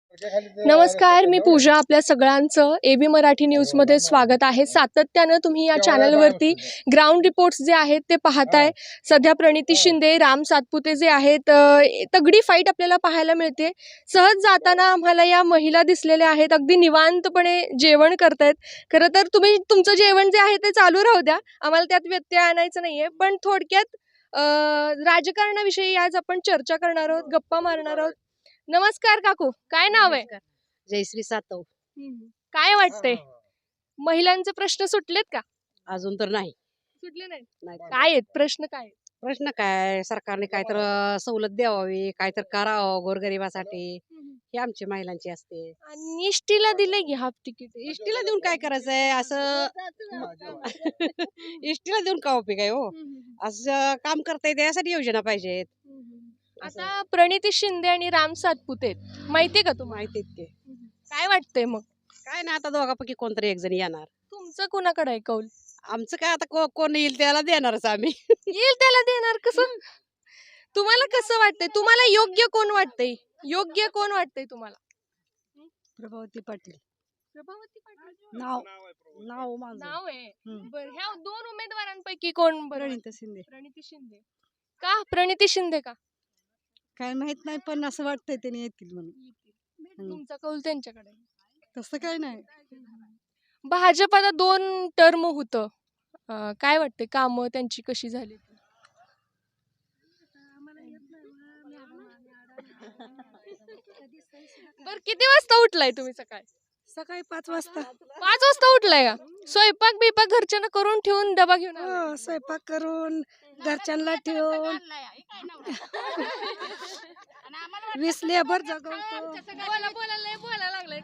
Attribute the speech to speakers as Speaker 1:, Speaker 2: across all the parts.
Speaker 1: नमस्कार, मी पूजा. आपल्या सगळ्यांचं एबी मराठी न्यूजमध्ये स्वागत आहे. सातत्यानं तुम्ही या चॅनलवरती ग्राउंड रिपोर्ट्स जे आहेत ते पाहताय. सध्या प्रणिती शिंदे, राम सातपुते जे आहेत, तगडी फाईट आपल्याला पाहायला मिळते. सहज जाताना आम्हाला या महिला दिसलेल्या आहेत, अगदी निवांतपणे जेवण करतायत. खरं तर तुम्ही तुमचं जेवण जे आहे ते चालू राहू द्या, आम्हाला त्यात व्यत्यय आणायचं नाहीये. पण थोडक्यात राजकारणाविषयी आज आपण चर्चा करणार आहोत, गप्पा मारणार आहोत. नमस्कार काकू, काय नाव आहे?
Speaker 2: जयश्री सातव.
Speaker 1: काय वाटतंय, महिलांचे प्रश्न सुटलेत का?
Speaker 2: अजून तर नाही.
Speaker 1: सुटले नाहीत.
Speaker 2: नाही.
Speaker 1: काय आहेत प्रश्न, काय आहेत?
Speaker 2: प्रश्न काय, सरकारने काय तर सवलत द्यावी, काय तर करावं गोरगरिबासाठी, हे आमची महिलांची असते.
Speaker 1: आणि इष्टीला दिले की हाफ तिकीट.
Speaker 2: इष्टीला देऊन काय करायचंय असं? इष्टीला देऊन का उपयोग आहे हो? असं काम करता येते यासाठी योजना पाहिजेत.
Speaker 1: आता प्रणिती शिंदे आणि राम सातपुते आहेत. माहितीये का तुम्हाला?
Speaker 2: माहिती की
Speaker 1: काय वाटतंय मग?
Speaker 2: काय ना, आता दोघापैकी कोणतरी एक जण येणार.
Speaker 1: तुमचं कुणाकडे आहे कौल?
Speaker 2: आमचं काय आता कोण येईल त्याला देणारच आम्ही.
Speaker 1: येईल त्याला देणार. कसं तुम्हाला कसं वाटतंय? तुम्हाला योग्य कोण वाटतंय? योग्य कोण वाटतंय तुम्हाला?
Speaker 2: प्रभावती पाटील.
Speaker 1: प्रभावती पाटील
Speaker 2: नाव माझं
Speaker 1: नाव आहे. बरं, ह्या दोन उमेदवारांपैकी कोण बरं?
Speaker 2: प्रणिती शिंदे.
Speaker 1: प्रणिती शिंदे. का प्रणिती शिंदे का?
Speaker 2: काय माहित नाही, पण असं वाटतंय त्यांनी येतील म्हणून.
Speaker 1: तुमचा कौल त्यांच्याकडे आहे.
Speaker 2: तसं काय नाही.
Speaker 1: भाजप आता 2 टर्म होतं. काय वाटते कामं त्यांची कशी झाली? बर, किती वाजता उठलाय तुम्ही सकाळी?
Speaker 2: सकाळी 5 वाजता.
Speaker 1: 5 वाजता उठलाय का? स्वयंपाक बिपाक घरच्यांना करून ठेवून डबा घेऊन आलाय?
Speaker 2: हो, स्वयंपाक करून घरच्यांना ठेवून 20 लेबर जगवतो.
Speaker 1: बोलायला लागलाय.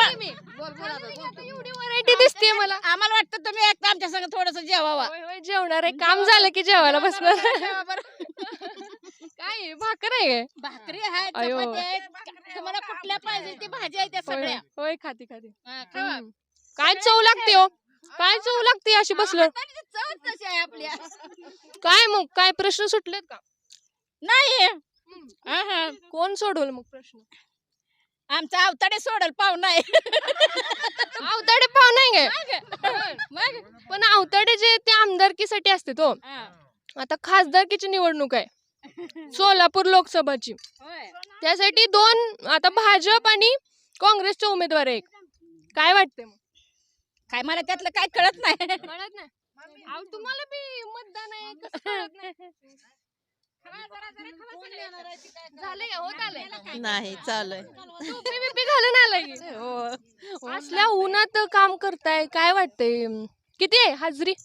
Speaker 1: एवढी व्हरायटी दिसते मला.
Speaker 3: आम्हाला वाटतं तुम्ही एकदा आमच्या संग थोडस जेवावा.
Speaker 1: होय, होय, जेवणार आहे. काम झालं की जेवायला बसणार. काय आहे, भाकर आहे काय?
Speaker 3: भाकरी आहे,
Speaker 1: अयो.
Speaker 3: चपाती आहे. तुम्हाला कुठल्या पाहिजे ती भाजी आहे त्या
Speaker 1: होय,
Speaker 3: सगळ्या.
Speaker 1: होय, खाते खाते.
Speaker 3: हा, खावा.
Speaker 1: काय चव लागते हो, काय चव लागते अशी बसलं.
Speaker 3: हाताने ती चवच तशी आहे आपल्या.
Speaker 1: काय मग, काय प्रश्न सुटलेत का?
Speaker 3: नाही हा.
Speaker 1: कोण सोडवलं मग प्रश्न?
Speaker 3: आमचा अवताडे सोडल पाहुणा आहे.
Speaker 1: अवताडे पाव नाही काय?
Speaker 3: मग
Speaker 1: पण अवताडे जे ते आमदारकीसाठी असते तो.
Speaker 3: हा.
Speaker 1: आता खासदारकीची निवडणूक आहे, सोलापूर लोकसभाची.
Speaker 3: होय.
Speaker 1: त्यासाठी 2 आता भाजप आणि काँग्रेसचे उमेदवार आहे. काय वाटते मग?
Speaker 3: काय मला त्यातलं काय कळत नाही.
Speaker 1: कळत नाही. अहो, तुम्हाला बी मतदान आहे, कसं कळत नाही? झाले का? होत आलंय?
Speaker 4: नाही चालू
Speaker 1: टोपी बिपी घालून आलाय की?
Speaker 4: हो
Speaker 1: असल्या उन्हात काम करताय, काय वाटतंय? किती आहे हाजरी?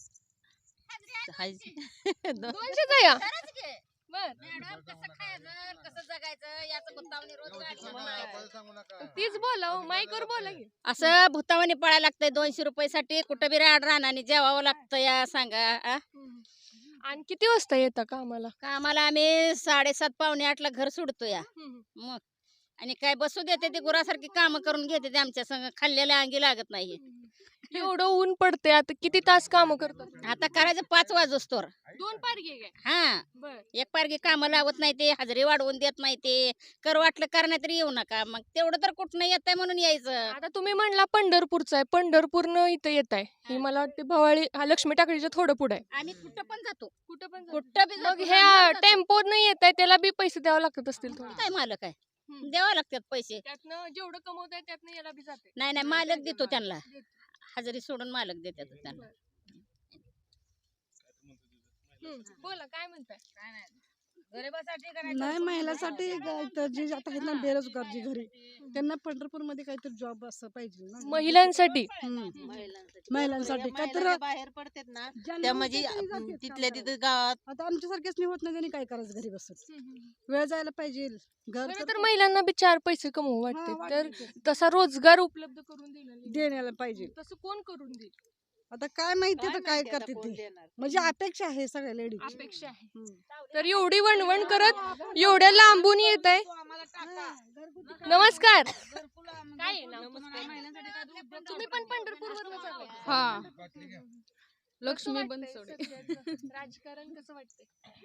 Speaker 1: 200च आहे का? बर,
Speaker 3: मॅडम, कसं खायचं, कसं जगायचं याचं भुतावणी रोज गाडी.
Speaker 1: तीच बोला, माईकवर बोला की.
Speaker 3: असं भुतावणी पळायला लागतंय 200 रुपयासाठी. कुठं बी राड राहणार जेवावं लागतं या सांगा.
Speaker 1: आणि किती वाजता येता का आम्हाला?
Speaker 3: कामाला आम्ही 7:30 पावणे 8ला घर सोडतो या. मग आणि काय बसू देते ते गुरासारखी काम करून घेते ते आमच्या संग. खाल्लेल्या अंगी लागत नाही.
Speaker 1: एवढं ऊन पडते, आता किती तास काम करतात?
Speaker 3: आता करायचं 5 वाजोस्तोर.
Speaker 1: 2 पारगे काय?
Speaker 3: हा,
Speaker 1: बर.
Speaker 3: एक पारगी काम लावत नाही ते, हजेरी वाढवून देत नाही ते. कर वाटलं करण्यात तरी येऊ नका. मग तेवढं तर कुठनं येत म्हणून यायचं.
Speaker 1: आता तुम्ही म्हणला पंढरपूरचं आहे, पंढरपूरनं इथं येत आहे. ही मला वाटते भवाळी लक्ष्मी टाकडीच्या थोडं पुढे आहे.
Speaker 3: आम्ही कुठं पण जातो.
Speaker 1: कुठं पण
Speaker 3: कुठं बी
Speaker 1: मग
Speaker 3: जातो,
Speaker 1: ह्या
Speaker 3: रानात जातो.
Speaker 1: टेम्पोत नाही येत आहे, त्याला बी पैसे द्यावे लागत असतील थोडे.
Speaker 3: काय मालक आहे, द्यावं लागतात पैसे.
Speaker 1: त्यातनं जेवढं कमवत आहे त्यातनं याला बी जाते.
Speaker 3: नाही मालक देतो त्यांना. हजेरी सोडून मालक देतात त्यांना.
Speaker 1: बोला, काय म्हणताय?
Speaker 2: नाही, महिलांसाठी तर जे आता आहेत ना बेरोजगार जे घरी, त्यांना पंढरपूरमध्ये काहीतरी जॉब असं पाहिजे ना.
Speaker 1: महिलांसाठी
Speaker 2: महिलांसाठी काहीतरी
Speaker 4: बाहेर पडतात ना
Speaker 2: ज्यांना
Speaker 4: त्या म्हणजे
Speaker 2: होतं त्यांनी जातात
Speaker 4: तिथल्या
Speaker 2: कामाला.
Speaker 4: तिथं गावात
Speaker 2: आता आमच्यासारखेच नाही होत ना, त्यांनी काय करायचं घरी बसून. वेळ जायला पाहिजे. घर
Speaker 1: खरं तर महिलांना बी 4 पैसे कमवू वाटते,
Speaker 2: हा,
Speaker 1: तर
Speaker 2: वाटते.
Speaker 1: तसा रोजगार उपलब्ध करून दिला
Speaker 2: देण्याला पाहिजे.
Speaker 1: तसं कोण करून देईल?
Speaker 2: आता काय माहिती आता काय
Speaker 4: माहिती आता
Speaker 2: करते
Speaker 4: कोण
Speaker 2: ते.
Speaker 4: देणार?
Speaker 2: म्हणजे अपेक्षा आहे सगळ्या लेडीज.
Speaker 1: अपेक्षा आहे. तर एवढी वणवण करत एवढ्या लांबून येत आहे. नमस्कार. काय आहे नाव? तुम्ही पण पंढरपूरवरूनच आलाय?
Speaker 5: लक्ष्मी
Speaker 1: कसं वाटतंय
Speaker 5: बनसोडे.
Speaker 1: सध्याचं राजकारण कसं वाटतंय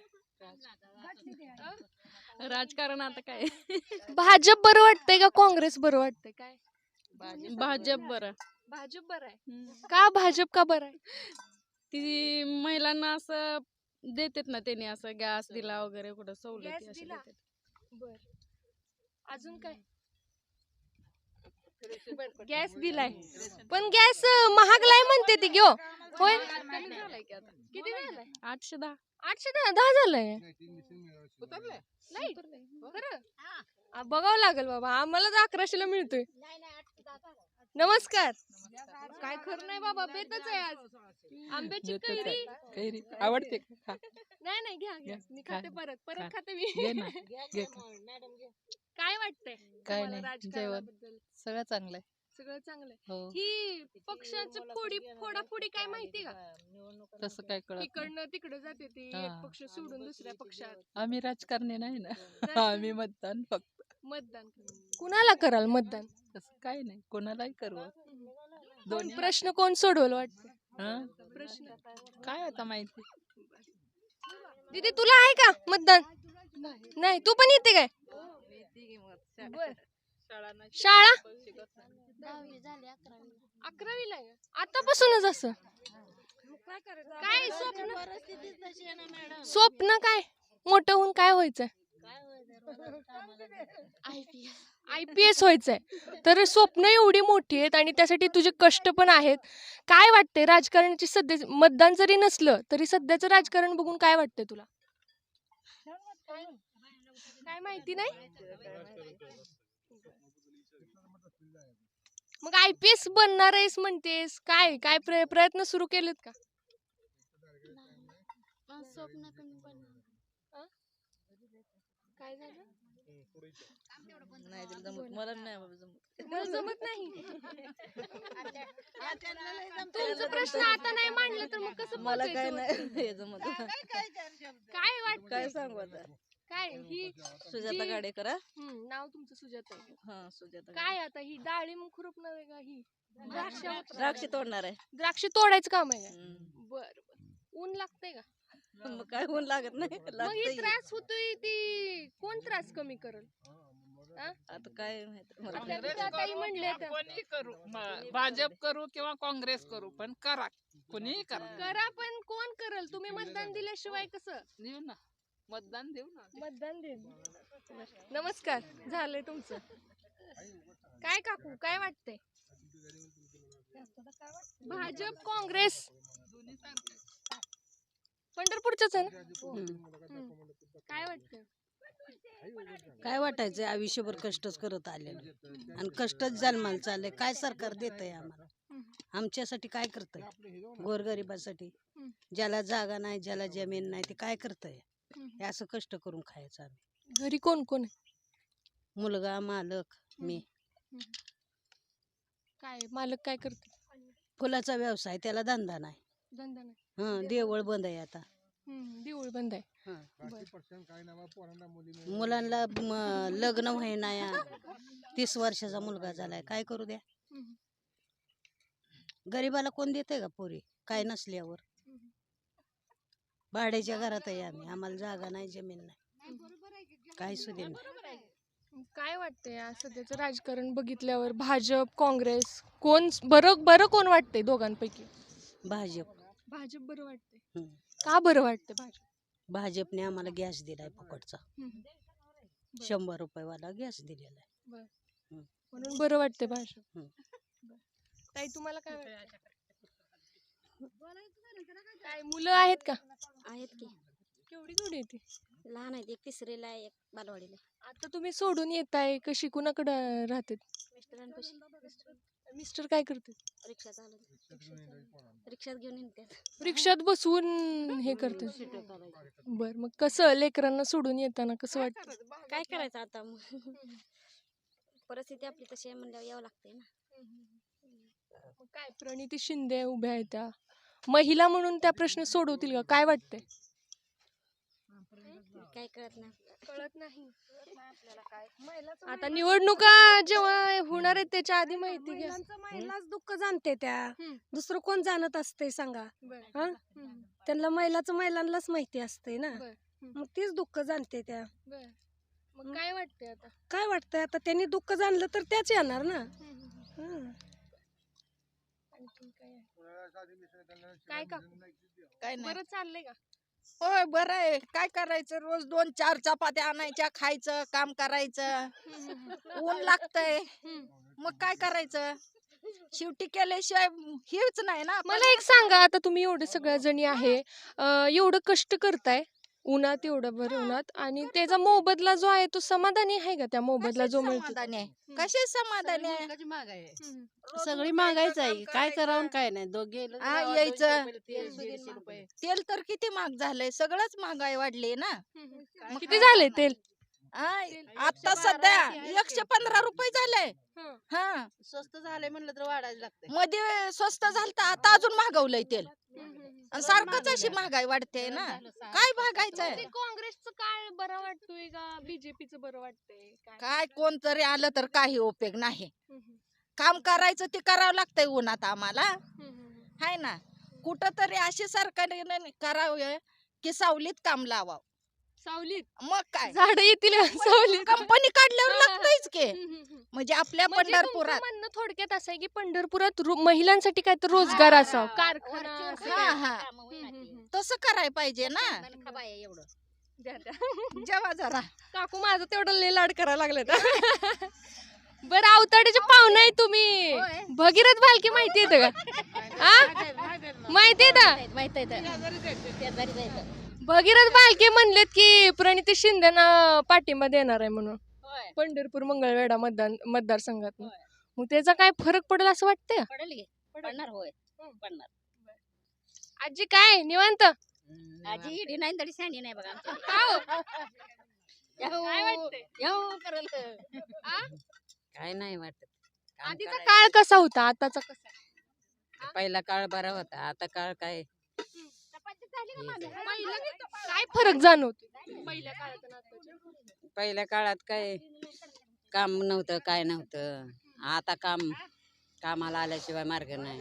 Speaker 5: राजकारण आता काय
Speaker 1: भाजप बरं वाटतंय का काँग्रेस बरं वाटतंय काय
Speaker 5: भाजप बरं.
Speaker 1: भाजप बरं आहे
Speaker 5: हम्म.
Speaker 1: का भाजप का बरं आहे
Speaker 5: ती महिलांना असं देतात ना, त्यांनी असं गॅस दिला वगैरे कुठं सवलती
Speaker 1: गॅस
Speaker 5: अशा
Speaker 1: दिला?
Speaker 5: देतात.
Speaker 1: बर अजून काय गॅस दिलाय पण गॅस महागलाय म्हणते ती घेऊ होय
Speaker 5: कमी झालाय की आता
Speaker 1: किती झालाय
Speaker 5: 810.
Speaker 1: 810 झालंय नाही खरं बघावं लागेल बाबा आम्हाला तर 1100ला मिळतोय नमस्कार काय खरं नाही बाबा बेतच आहे आज आंब्याची कैरी
Speaker 6: आवडते खा.
Speaker 1: नाही नाही घ्या घ्या मी खाते परत
Speaker 6: खा.
Speaker 1: खाते मी
Speaker 6: घे ना. घे.
Speaker 1: काय वाटतंय
Speaker 6: काय
Speaker 1: तुम्हाला
Speaker 6: नाही,
Speaker 1: राजकारणाबद्दल
Speaker 6: सगळं चांगलं आहे.
Speaker 1: सगळं चांगलं आहे.
Speaker 6: हो
Speaker 1: ही पक्षाचं फोडाफोडी काय माहिती का
Speaker 6: तसं काय कळत नाही.
Speaker 1: इकडनं तिकडं जाते ती एक
Speaker 6: हा.
Speaker 1: पक्ष सोडून दुसऱ्या पक्षात
Speaker 6: आम्ही राजकारणी नाही ना आम्ही मतदान फक्त
Speaker 1: मतदान कुणाला कराल मतदान
Speaker 6: तसं काय नाही कोणालाही करू
Speaker 1: कोण
Speaker 6: दोन्ही
Speaker 1: प्रश्न कोण सोडवल वाटतं
Speaker 6: हं?
Speaker 1: प्रश्न
Speaker 6: काय आता माहिती
Speaker 1: दीदी तुला आहे का मतदान नाही तू पण येते काय बर. शाळा 11वीला आहे आतापासूनच असं काय स्वप्न काय मोठं होऊन काय व्हायचंय IPS व्हायचंय तर स्वप्न एवढी मोठी आहेत आणि त्यासाठी तुझे कष्ट पण आहेत काय वाटतंय राजकारणाची सध्या मतदान जरी नसलं तरी सध्याचं राजकारण बघून काय वाटतंय तुला काय माहिती नाही मग IPS बनणार आहेस म्हणतेस काय काय प्रयत्न सुरू केलेत का काय झालं
Speaker 4: मला नाही बाबा जमत.
Speaker 1: मला जमत नाही तुमचा प्रश्न आता नाही मांडला तर मग कसं
Speaker 4: मला काय
Speaker 1: पोचायचं
Speaker 4: नाही
Speaker 1: होतं?
Speaker 4: हे जमत.
Speaker 1: काय वाटत
Speaker 4: काय सांगू आता.
Speaker 1: काय ही
Speaker 4: सुजाता
Speaker 1: जी-
Speaker 4: गाडेकर हा?
Speaker 1: नाव तुमचं सुजाता आहे.
Speaker 4: हा सुजाता
Speaker 1: काय आता ही डाळिंब खुरपणं आहे का ही
Speaker 4: द्राक्ष तोडणार आहे.
Speaker 1: द्राक्ष तोडायचं काम आहे का
Speaker 4: हम्म.
Speaker 1: बर ऊन लागतंय का
Speaker 4: मग काय ऊन लागत नाही
Speaker 1: मग ही
Speaker 4: लागतंय.
Speaker 1: त्रास होतोय ती कोण त्रास कमी करल
Speaker 4: आता काय माहित मला.
Speaker 1: आपल्या ताई म्हणले तर
Speaker 6: कोणी करू भाजप करू किंवा काँग्रेस करू पण करा कोणीही करा
Speaker 1: करा पण कोण करल तुम्ही मतदान दिल्याशिवाय कसं
Speaker 6: देऊ ना मतदान देऊ ना
Speaker 1: मतदान दे नमस्कार झालंय तुमचं काय काकू काय वाटतंय भाजप काँग्रेस पंढरपूरच आहे ना काय वाटतंय
Speaker 2: काय वाटायचं आयुष्यभर कष्टच करत आलेलं आणि कष्टच जन्माला चाललंय काय सरकार देतंय आम्हाला आमच्यासाठी काय करतंय गोरगरिबासाठी ज्याला जागा नाही ज्याला जमीन नाही ते काय करतंय हे असं कष्ट करून खायचं आम्ही
Speaker 1: घरी कोण कोण आहे
Speaker 2: मुलगा मालक मी
Speaker 1: काय मालक काय करते
Speaker 2: फुलाचा व्यवसाय त्याला धंदा नाही
Speaker 1: धंदा नाही
Speaker 2: देवळ बंद आहे आता
Speaker 1: देऊळ बंद आहे
Speaker 2: मुलांना लग्न व्हायना 30 वर्षाचा मुलगा झालाय काय करू द्या गरीबाला कोण देते का पोरी काय नसल्यावर भाड्याच्या घरात आहे आम्ही आम्हाला जागा नाही जमीन नाही काय सुद्धा नाही
Speaker 1: काय वाटतंय आज सध्याचं राजकारण बघितल्यावर भाजप काँग्रेस कोण बरं कोण वाटतंय दोघांपैकी
Speaker 2: भाजप
Speaker 1: भाजप बरं वाटतंय
Speaker 2: हम्म.
Speaker 1: का बरं वाटतंय भाजप
Speaker 2: भाजपने आम्हाला गॅस दिलाय फुकटचा 100 रुपयेवाला गॅस दिलेला आहे
Speaker 1: म्हणून बरं वाटतंय भाजप
Speaker 2: हम्म.
Speaker 1: बरं. ताई तुम्हाला काय वाटतं काय मुलं आहेत का
Speaker 7: आहेत की
Speaker 1: केवढी येते
Speaker 7: लहान आहेत एक तिसरीला आहे एक बालवाडीला आहे.
Speaker 1: आता तुम्ही सोडून येताय कशी कुणाकडे राहते
Speaker 7: मिस्टरांपाशी
Speaker 1: मिस्टर काय करते
Speaker 7: रिक्षा चालवते रिक्षात घेऊन येतात
Speaker 1: रिक्षात बसवून हे करते बर मग कसं लेकरांना सोडून येताना कसं वाटतं
Speaker 7: काय करायचं आता मग परिस्थिती आपली तशी आहे म्हणल्यावर यावं लागतंय ना
Speaker 1: मग काय प्रणिती शिंदे उभ्या आहेत त्या महिला म्हणून त्या प्रश्न सोडवतील का काय वाटतंय
Speaker 7: काय कळत नाही
Speaker 1: कळत नाही आता निवडणुका जेव्हा होणार जाणार आहेत त्याच्या आधी माहिती घ्या.
Speaker 8: महिलाच दुःख जाणते त्या,
Speaker 1: हम्म.
Speaker 8: दुसरं कोण जाणत असते सांगा.
Speaker 1: बरं.
Speaker 8: हा
Speaker 1: हम्म.
Speaker 8: त्यांना महिलांनाच माहिती असते ना,
Speaker 1: बरं. हम्म.
Speaker 8: मग तीच दुःख जाणते त्या.
Speaker 1: बरं. मग काय वाटतंय आता?
Speaker 8: काय वाटतंय आता त्यांनी दुःख जाणलं तर त्याच येणार ना. हं.
Speaker 1: आणखीन काय आहे? काय काकू
Speaker 9: काय नाही
Speaker 1: बरं चाललंय का?
Speaker 9: होय बरं आहे. काय करायचं, रोज 2-4 चपात्या आणायच्या, खायचं, काम करायचं, ऊन लागतंय, मग काय करायचं, शेवटी केल्याशिवाय हेच नाही ना.
Speaker 1: मला एक सांगा, आता तुम्ही एवढे सगळ्या जणी आहे, एवढं कष्ट करताय उन्हात, एवढं भर उन्हात, आणि त्याचा मोबदला जो आहे तो समाधानी आहे का? त्या मोबदला जो मिळतो
Speaker 9: समाधानी आहे, कसे समाधानी आहे.
Speaker 2: सगळी महागाईच आहे, काय करावं काय नाही. दोघे
Speaker 9: हा, यायचं तेल तर किती महाग झालंय, सगळंच महागाई वाढली ना.
Speaker 1: किती झालंय तेल?
Speaker 9: हा, आता सध्या 115 रुपये झालंय.
Speaker 1: हं.
Speaker 9: हा,
Speaker 2: स्वस्त झालंय म्हणलं तर वाढायला लागतंय.
Speaker 9: मध्ये स्वस्त झालं आता अजून महागवलंय तेल, आणि सारखंच अशी महागाई वाढते ना. काय भागायचंय,
Speaker 1: ते काँग्रेसचं काळ बरं वाटतोय का बीजेपीचं बरं वाटतंय काय?
Speaker 9: काय कोणतरी आलं तर काही उपयोग नाही. काम करायचं ते करावं लागतंय उन्हात आम्हाला, हाय ना. कुठं तरी अशी सरकारने करावं की सावलीत काम लावावं.
Speaker 1: सावलीत
Speaker 9: मग काय,
Speaker 1: झाडं येतील का सावलीत?
Speaker 9: कंपनी काढल्यावर लागतंयच की. म्हणजे आपल्या
Speaker 1: म्हणजे तुमचं
Speaker 9: पंढरपुरात
Speaker 1: म्हणणं थोडक्यात असं आहे की पंढरपुरात महिलांसाठी काय तर रोजगार असावा, कारखाना असं
Speaker 9: हा
Speaker 1: काय?
Speaker 9: हा, तसं करायला पाहिजे ना.
Speaker 1: द्या, द्या.
Speaker 9: जेव्हा जरा
Speaker 1: काकू माझं तेवढं लय लाड करायला लागले. बरं, अवताड्याचे पाहुणे आहे तुम्ही. भगीरथ भालके माहिती येतं का? माहिती येतं? भगीरथ भालके म्हणलेत की प्रणिती शिंदेना पाठिंबा देणार आहे म्हणून पंढरपूर मंगळवेढा मतदारसंघात. मग त्याचा काय फरक पडेल असं वाटतंय?
Speaker 3: पडणार होय पडणार.
Speaker 1: आजी काय निवांत?
Speaker 3: आजी इडी नाही तरी सांडी नाही बघा आमच्या.
Speaker 1: काय वाटतंय?
Speaker 10: काय नाही वाटत. काम
Speaker 1: आधीचा
Speaker 10: करायचं.
Speaker 1: काळ कसा होता, आताचा कसा आहे?
Speaker 10: पहिला काळ बरा होता, आता काळ काय.
Speaker 1: काय फरक जाणवतो पहिल्या काळात आणि आताच्या?
Speaker 10: पहिल्या काळात काय काम नव्हतं, काय नव्हतं. आता कामाला आल्याशिवाय मार्ग नाही.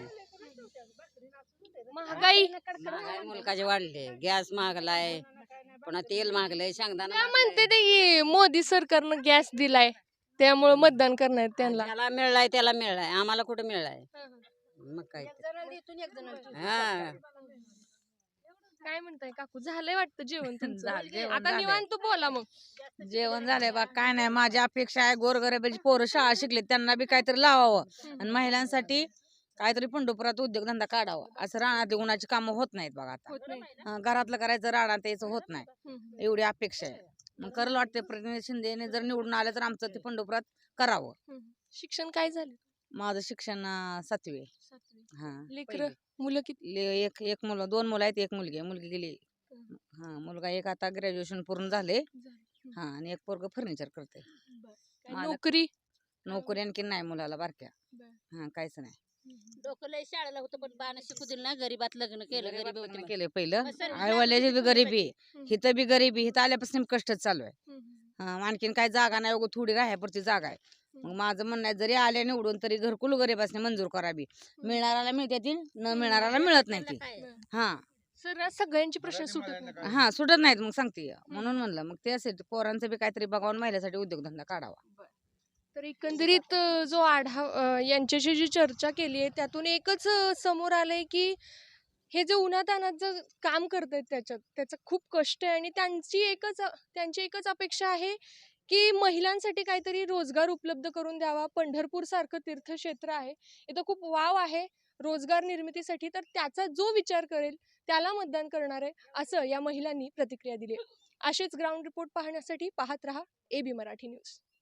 Speaker 1: महागाई
Speaker 10: महागाई मुलकाचे वाढले, गॅस महागलाय, पुन्हा तेल महागलंय, शेंगदाणा
Speaker 1: त्या म्हणते ते की मोदी सरकारनं गॅस दिलाय त्यामुळे मतदान करणार त्यांना.
Speaker 10: त्याला मिळलाय, त्याला मिळलाय, आम्हाला कुठं मिळलाय. मग काय ते. हा,
Speaker 1: काय म्हणताय काकू, झालंय वाटतं जेवण तुमचं?
Speaker 11: झालं, जेवण
Speaker 1: आता
Speaker 11: झालंय.
Speaker 1: निवांत बोला मग.
Speaker 11: जेवण झालंय बा. काय नाही, माझी अपेक्षा आहे गोरगरिबाची पोरं शाळा शिकले त्यांना बी काहीतरी लावावं, आणि महिलांसाठी काहीतरी पंढरपुरात उद्योगधंदा काढावा. असं रानातली उन्हाची कामं होत नाहीत बघा आता.
Speaker 1: होत नाही.
Speaker 11: घरातलं करायचं, रानात यायचं होत नाही. एवढी अपेक्षा आहे. मग करायला वाटते प्रतिनिधी शिंदेने जर निवडून आलं तर आमचं ते पंढरपुरात करावं.
Speaker 1: शिक्षण काय झालं?
Speaker 11: माझं शिक्षण 7वी. हा,
Speaker 1: लेकर मुलं किती?
Speaker 11: एक मुलं, 2 मुलं आहेत, एक मुलगी आहे. मुलगी गेली. हा, मुलगा एक आता ग्रॅज्युएशन पूर्ण झाले. हा, आणि एक पोरग फर्निचर करते.
Speaker 1: काय नोकरी
Speaker 11: आणखी नाही मुलाला बारक्या. हा, काहीच नाही.
Speaker 3: डोकं लय शाळेला होतं पण बाण शिकू दिलं ना, गरीबात लग्न केलं. गरीब होते
Speaker 11: लग्न केले पहिलं.
Speaker 3: मग सर्व
Speaker 11: आईवडिलाची बी गरिबी, हिथं बी गरिबी, हिथं आल्यापासून कष्टच चालू आहे. आणखीन काय जागा नाही, उगं थोडी राहायपुरती जागा आहे. मग माझं म्हणणं आहे, जरी आल्या निवडून तरी घरकुल गरीबासने मंजूर करावी. मिळणाऱ्याला मिळते ती, न मिळणाऱ्याला मिळत नाही ती. हा
Speaker 1: सर, सगळ्यांचे प्रश्न सुटत नाही.
Speaker 11: हा, सुटत नाहीत. मग सांगते म्हणून म्हणलं, मग ते असेल पोरांचं बी काहीतरी बघावून महिलासाठी उद्योगधंदा काढावा.
Speaker 1: तर एकंदरीत जो आढावा यांच्याशी जी चर्चा केली आहे त्यातून एकच समोर आलंय की हे जे उन्हातान्हात जे काम करतायत त्याचं खूप कष्ट आहे, आणि त्यांची एकच अपेक्षा आहे की महिलांसाठी काहीतरी रोजगार उपलब्ध करून द्यावा. पंढरपूर सारखं तीर्थक्षेत्र आहे, इथं खूप वाव आहे रोजगार निर्मितीसाठी, तर त्याचा जो विचार करेल त्याला मतदान करणार आहे, असं या महिलांनी प्रतिक्रिया दिली आहे. असेच ग्राउंड रिपोर्ट पाहण्यासाठी पाहत रहा AB मराठी न्यूज.